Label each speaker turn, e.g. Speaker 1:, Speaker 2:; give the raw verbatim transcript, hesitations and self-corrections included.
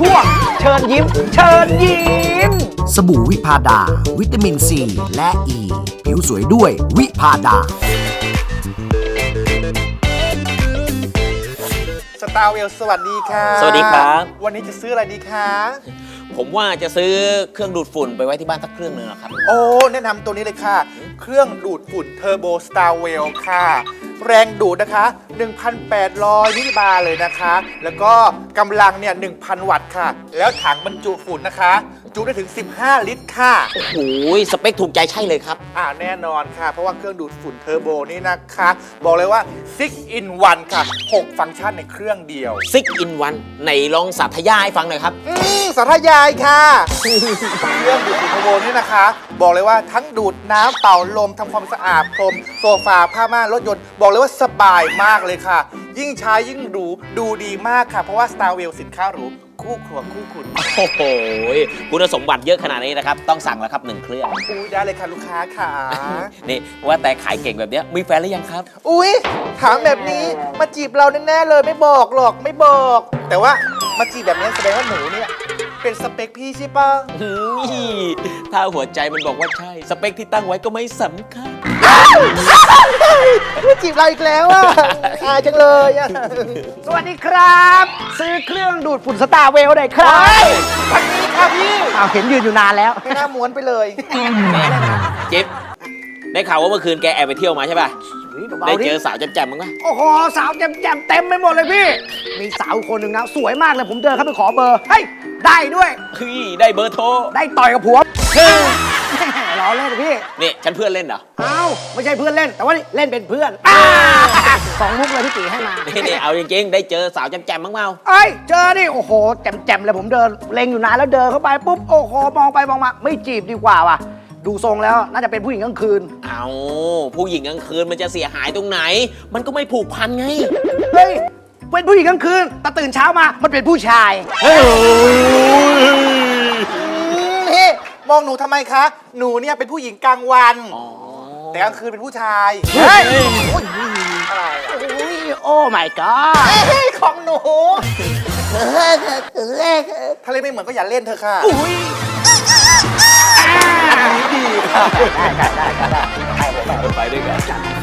Speaker 1: ช่วงเชิญยิ้มเชิญยิ้ม
Speaker 2: สบู่วิพาดาวิตามินซีและอ e. ีผิวสวยด้วยวิพาดา
Speaker 3: สตาร์เวลสวัสดีค่ะ
Speaker 4: สวัสดีครับ
Speaker 3: วันนี้จะซื้ออะไรดีคะ
Speaker 4: ผมว่าจะซื้อเครื่องดูดฝุ่นไปไว้ที่บ้านสักเครื่องหนึงครับ
Speaker 3: โอ้แนะนำตัวนี้เลยค่ะ เครื่องดูดฝุ่นเทอร์โบสตาร์เวลค่ะ แรงดูดนะคะ หนึ่งพันแปดร้อย มิลลิบาร์เลยนะคะ แล้วก็กำลังเนี่ย หนึ่งพัน วัตต์ค่ะ แล้วถังบรรจุฝุ่นนะคะ จุได้ถึง สิบห้า ลิตรค่ะ
Speaker 4: โอ้โหสเปคถูกใจใช่เลยครับ
Speaker 3: อ่าแน่นอนค่ะ เพราะว่าเครื่องดูดฝุ่นเทอร์โบนี่นะคะ บอกเลยว่า ซิก อิน วัน ค่ะ หก ฟังก์ชันในเครื่องเดียว
Speaker 4: ซิกอินวันไหนลองสาธยายให้ฟังหน่อยครับ
Speaker 3: อืมสาธยายค่ะ เครื่องดูดฝุ่นเทอร์โบนี่นะคะ บอกเลยว่าทั้งดูดน้ำเป่าลมทำความสะอาดพรมโซฟาผ้าม่านรถยนต์ บอกเลยว่าสบายมากเลยค่ะ ยิ่งใช้ยิ่งดูดูดีมากค่ะ เพราะว่า Starwell สินค้าหรูคู่ครัวคู่คุณ
Speaker 4: โอ้โหคุณสมบัติเยอะขนาดนี้นะครับ ต้องสั่งแล้วครับหนึ่งเครื่อง
Speaker 3: อุ้ยได้เลยค่ะลูกค้าค่ะ
Speaker 4: นี่ว่าแต่ขายเก่งแบบเนี้ยมีแฟนหรือยังครับ
Speaker 3: อุ้ยถามแบบนี้มาจีบเราแน่ๆเลยไม่บอกหรอกไม่บอก แต่ว่ามาจีบแบบนี้แสดงว่าหนูเนี่ยเป็นสเปคพี่ใช่ปะ
Speaker 4: อืมถ้าหัวใจมันบอกว่าใช่ สเปคที่ตั้งไว้ก็ไม่สำคัญ
Speaker 3: ไม่จีบเราอีกแล้วอ่ะอายจังเลยอ่ะ
Speaker 1: สวัสดีครับ ซื้อเครื่องดูดฝุ่นสตาร์เวลหน่อยครับ
Speaker 3: วันนี้ค่ะพี่
Speaker 1: อ้าวเห็นยืนอยู่นานแล้ว
Speaker 3: ไม่น่าม้วนไปเลย
Speaker 4: จิ๊บได้ข่าวว่าเมื่อคืนแกแอบไปเที่ยวมาใช่ป่ะ
Speaker 1: เบาๆ
Speaker 4: ได้
Speaker 1: ดิ
Speaker 4: เจอสาวแจ่มๆมั้งปะ
Speaker 1: โอ้โหสาวแจ่มๆเต็มไปหมดเลยพี่ มีสาวคนหนึ่งนะสวยมากเลยผมเดินเข้าไปขอเบอร์เฮ้ยได้ด้วย
Speaker 4: เฮ้ยได้เบอร์โทร
Speaker 1: ได้ต่อยกับผัวล้อเล่นพี่
Speaker 4: นี่ฉันเพื่อนเล่นเหรอ
Speaker 1: เอ้าไม่ใช่เพื่อนเล่น แต่ว่านี่เล่นเป็นเพื่อนอ่าสองมุกเลยพี่ตีให้มา
Speaker 4: นี่นี่เอาจริงๆได้เจอสาวแจ่มๆมั้งเปล่า
Speaker 1: เอ้ยเจอนี่โอ้โหแจ่มๆเลยผมเดินเล็งอยู่นานแล้วเดินเข้าไปปุ๊บโอ้โหมองไปมองมาไม่จีบดีกว่าว่ะดูทรงแล้วน่าจะเป็นผู้หญิงกลางคืน
Speaker 4: เอาผู้หญิงกลางคืนมันจะเสียหายตรงไหน มันก็ไม่ผูกพันไง
Speaker 1: เฮ้ยเป็นผู้หญิงกลางคืนแต่ตื่นเช้ามามันเป็นผู้ชาย
Speaker 3: นี่มองหนูทำไมคะ หนูเนี่ยเป็นผู้หญิงกลางวัน
Speaker 4: อ๋อ
Speaker 3: แต่กลางคืนเป็นผู้ชาย
Speaker 1: เฮ้ย
Speaker 3: อะไรอะ
Speaker 1: โอ้ยโอ้ my god
Speaker 3: เฮ้ยของหนูถ้าเล่นไม่เหมือนก็อย่าเล่นเถอะค่ะ
Speaker 1: อุ้ย
Speaker 3: อันนี้ดีค่ะ
Speaker 4: ไปด้วยกัน